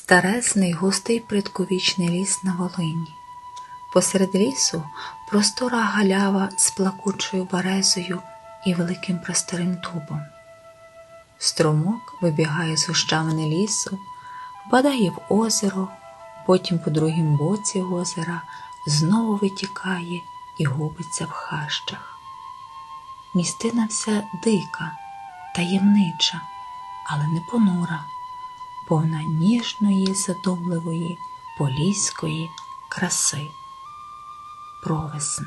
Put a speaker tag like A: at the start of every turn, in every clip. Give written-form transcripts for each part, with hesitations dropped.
A: Старезний густий предковічний ліс на Волині. Посеред лісу простора галява з плакучою березою і великим просторим дубом. Струмок вибігає з гущавини лісу, впадає в озеро, потім по другім боці озера знову витікає і губиться в хащах. Місцина вся дика, таємнича, але не понура, повна ніжної, задумливої, поліської краси. Провесна.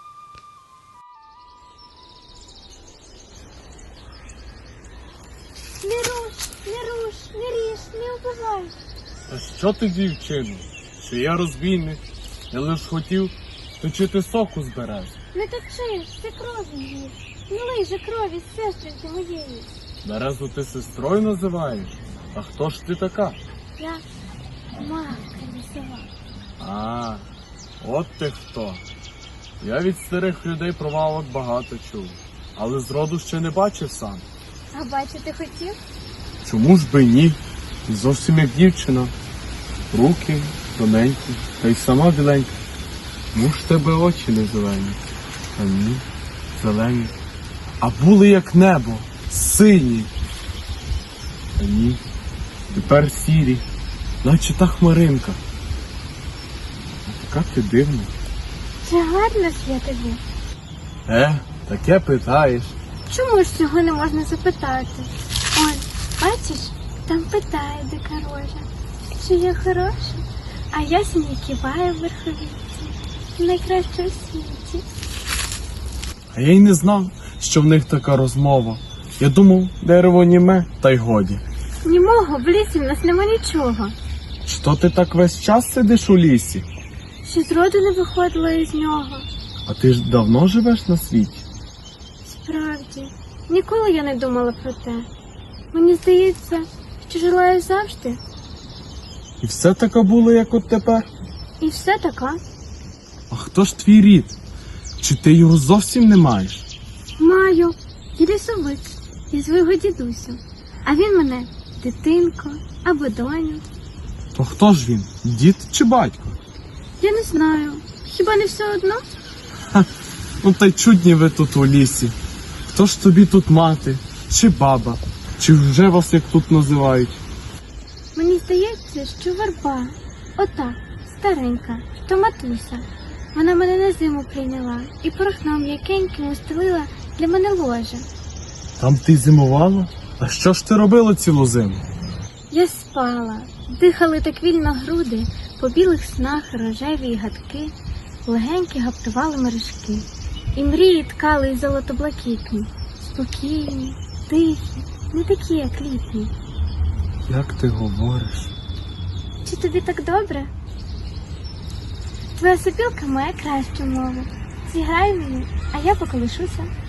B: Не руш, не руш, не ріж, не убивай.
C: А що ти, дівчино? Що я розбійник? Я лиш хотів точити соку з берези.
B: Не точи, це кров її. Не лий же крові з сестринки моєї.
C: Березу ти сестрою називаєш? А хто ж ти така?
B: Я матка лісова.
C: А, от ти хто. Я від старих людей про валок багато чув, але зроду ще не бачив сам.
B: А бачити хотів?
C: Чому ж би ні? Зовсім як дівчина. Руки тоненькі, та й сама біленька. Ну ж тебе очі не зелені, а ні, зелені. А були як небо, сині. А ні, тепер сірі, наче та хмаринка. А така ти дивна.
B: Чи гарно ж я тобі?
C: Таке питаєш.
B: Чому ж цього не можна запитати? Он, бачиш, там питає дика рожа. Чи я хороша? А ясень киває в верховіці. Найкраще у світі.
C: А я й не знав, що в них така розмова. Я думав, дерево німе, та й годі.
B: Німого, в лісі в нас нема нічого.
C: Що ти так весь час сидиш у лісі?
B: Ще зроду не виходила із нього.
C: А ти ж давно живеш на світі?
B: Справді, ніколи я не думала про те. Мені здається, що жила я завжди.
C: І все таке було, як от тепер?
B: І все така.
C: А хто ж твій рід? Чи ти його зовсім не маєш?
B: Маю лісовик і свого дідусю. А він мене дитинко або доню.
C: То хто ж він? Дід чи батько?
B: Я не знаю. Хіба не все одно?
C: Ну та й чудні ви тут у лісі. Хто ж тобі тут мати? Чи баба? Чи вже вас як тут називають?
B: Мені здається, що верба, ота, старенька, то матуся. Вона мене на зиму прийняла і порохном м'якеньким устелила для мене ложе.
C: Там ти зимувала? А що ж ти робила цілу зиму?
B: Я спала, дихали так вільно груди, по білих снах рожеві гадки, легенькі гаптували мережки, і мрії ткали й золотоблакитні, спокійні, тихі, не такі, як літні.
C: Як ти говориш?
B: Чи тобі так добре? Твоя сопілка має кращу мову. Зіграй мені, а я поколишуся.